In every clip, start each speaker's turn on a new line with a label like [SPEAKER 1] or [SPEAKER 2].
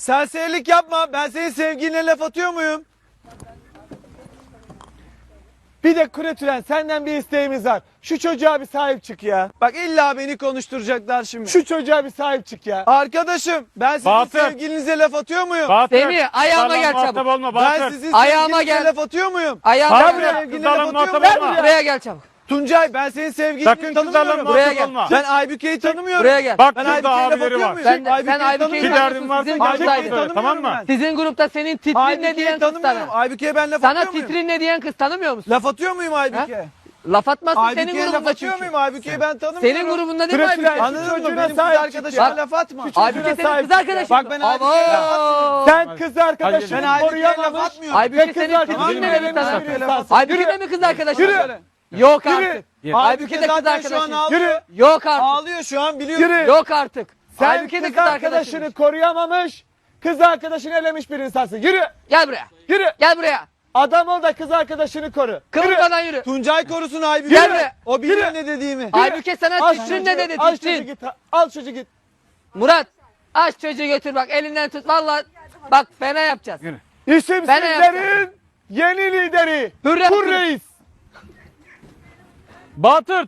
[SPEAKER 1] Serserilik yapma. Ben senin sevgiline laf atıyor muyum?
[SPEAKER 2] Bir de Kuretülen senden bir isteğimiz var. Şu çocuğa bir sahip çık ya.
[SPEAKER 1] Bak illa beni konuşturacaklar şimdi.
[SPEAKER 2] Şu çocuğa bir sahip çık ya.
[SPEAKER 1] Arkadaşım ben sizin
[SPEAKER 3] Bahtır.
[SPEAKER 1] sevgilinize laf atıyor muyum?
[SPEAKER 3] Bahtır.
[SPEAKER 4] Semih, ayağıma gel
[SPEAKER 3] Kızlarla muhatap
[SPEAKER 4] çabuk.
[SPEAKER 3] olma
[SPEAKER 1] Ben
[SPEAKER 3] Bahtır.
[SPEAKER 1] sizin
[SPEAKER 4] Ayağıma
[SPEAKER 1] sevgilinize
[SPEAKER 4] gel.
[SPEAKER 1] laf atıyor muyum?
[SPEAKER 4] Ayağıma
[SPEAKER 3] Gel
[SPEAKER 4] gel.
[SPEAKER 3] buraya.
[SPEAKER 1] Sevgiline
[SPEAKER 3] Kızlarla
[SPEAKER 1] laf atıyor
[SPEAKER 3] muhatap
[SPEAKER 1] muyum?
[SPEAKER 3] olma.
[SPEAKER 4] Buraya gel çabuk.
[SPEAKER 1] Tuncay ben senin sevgilini
[SPEAKER 3] Sakın kızlarla
[SPEAKER 1] tanımıyorum.
[SPEAKER 4] Buraya
[SPEAKER 3] muhatap
[SPEAKER 4] gel.
[SPEAKER 3] olma.
[SPEAKER 1] Ben Aybüke'yi tanımıyorum.
[SPEAKER 4] Buraya gel.
[SPEAKER 3] Bak
[SPEAKER 1] Ben
[SPEAKER 3] burada
[SPEAKER 1] Aybüke'ye laf
[SPEAKER 3] abileri
[SPEAKER 1] atıyor
[SPEAKER 3] var.
[SPEAKER 1] muyum?
[SPEAKER 4] Sen
[SPEAKER 1] Aybüke'yi
[SPEAKER 4] Aybüke'yi
[SPEAKER 3] Bir derdin varsa
[SPEAKER 4] Sizin
[SPEAKER 3] Aybüke'yi
[SPEAKER 4] gruptaydın.
[SPEAKER 1] tanımıyorum
[SPEAKER 3] Tamam mı?
[SPEAKER 1] ben.
[SPEAKER 4] Sizin grupta senin titrin ne
[SPEAKER 1] Aybüke'yi
[SPEAKER 4] diyen kız
[SPEAKER 1] tanımıyorum.
[SPEAKER 4] sana.
[SPEAKER 1] Aybüke'ye ben laf
[SPEAKER 4] Sana
[SPEAKER 1] atıyor muyum?
[SPEAKER 4] titrin ne diyen kız tanımıyor musun?
[SPEAKER 1] Laf atıyor muyum Aybüke'ye?
[SPEAKER 4] Laf atmasın senin
[SPEAKER 1] Aybüke'ye laf
[SPEAKER 4] grubunda
[SPEAKER 1] atıyor
[SPEAKER 4] çünkü.
[SPEAKER 1] muyum? Aybüke'yi ben tanımıyorum.
[SPEAKER 4] Senin grubunda değil mi
[SPEAKER 2] Kuretülen,
[SPEAKER 4] Aybüke?
[SPEAKER 1] Anladın mı?
[SPEAKER 2] Çocuğuna
[SPEAKER 1] Benim kız
[SPEAKER 2] sahip çık
[SPEAKER 1] arkadaşıma
[SPEAKER 2] ya.
[SPEAKER 1] laf atma.
[SPEAKER 4] Aybüke senin
[SPEAKER 2] sahip
[SPEAKER 4] kız
[SPEAKER 2] çık ya.
[SPEAKER 4] arkadaşın.
[SPEAKER 1] Bak ben Aybüke'ye laf atmıyorum.
[SPEAKER 2] Sen kız arkadaşını
[SPEAKER 1] Ben Aybüke'ye laf
[SPEAKER 2] koruyamamış.
[SPEAKER 1] atmıyorum.
[SPEAKER 4] Aybüke
[SPEAKER 2] Kız
[SPEAKER 4] senin
[SPEAKER 2] arkadaşını
[SPEAKER 4] titrin ne dedi
[SPEAKER 2] elemiş
[SPEAKER 4] sana?
[SPEAKER 2] bir insansın.
[SPEAKER 4] Aybüke mi kız arkadaşın?
[SPEAKER 2] Yürü.
[SPEAKER 4] Yok
[SPEAKER 2] Yürü.
[SPEAKER 4] artık.
[SPEAKER 3] Yürü.
[SPEAKER 4] Aybüke de kız
[SPEAKER 1] zaten şu an
[SPEAKER 4] arkadaşın.
[SPEAKER 1] ağlıyor.
[SPEAKER 2] Yürü.
[SPEAKER 4] Yok artık.
[SPEAKER 1] Ağlıyor şu an biliyorum.
[SPEAKER 2] Yürü.
[SPEAKER 4] Yok artık.
[SPEAKER 2] Sen
[SPEAKER 4] Aybüke de
[SPEAKER 2] kız
[SPEAKER 4] kız
[SPEAKER 2] arkadaşını
[SPEAKER 4] arkadaşın.
[SPEAKER 2] koruyamamış. Kız arkadaşını elemiş bir insansın. Yürü.
[SPEAKER 4] Gel buraya.
[SPEAKER 2] Yürü.
[SPEAKER 4] Gel buraya.
[SPEAKER 2] Adam ol da kız arkadaşını koru. Yürü.
[SPEAKER 4] Kıvırmadan yürü.
[SPEAKER 1] Tuncay korusun Aybüke.
[SPEAKER 4] Gel be.
[SPEAKER 1] O bilir
[SPEAKER 2] Yürü.
[SPEAKER 1] ne dediğimi.
[SPEAKER 4] Aybüke sana
[SPEAKER 2] Al
[SPEAKER 4] titrin
[SPEAKER 2] çocuğu,
[SPEAKER 4] ne dedi
[SPEAKER 2] al çocuğu
[SPEAKER 4] titrin?
[SPEAKER 2] git. Al çocuğu git.
[SPEAKER 4] Murat aç çocuğu götür bak elinden tut. Valla bak fena yapacağız.
[SPEAKER 3] Yürü.
[SPEAKER 2] İsimsizlerin yeni lideri.
[SPEAKER 4] Hürrem
[SPEAKER 2] Hur
[SPEAKER 4] Hürrem.
[SPEAKER 2] Reis.
[SPEAKER 3] Bahtır.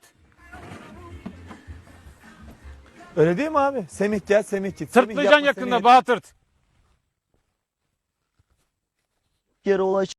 [SPEAKER 2] Öyle değil mi abi? Semih gel, Semih git. Semih
[SPEAKER 3] Sırtlayacaksın
[SPEAKER 2] yapma, Semih
[SPEAKER 3] yakında
[SPEAKER 2] yet.
[SPEAKER 3] Bahtır.
[SPEAKER 1] Yere ulaş.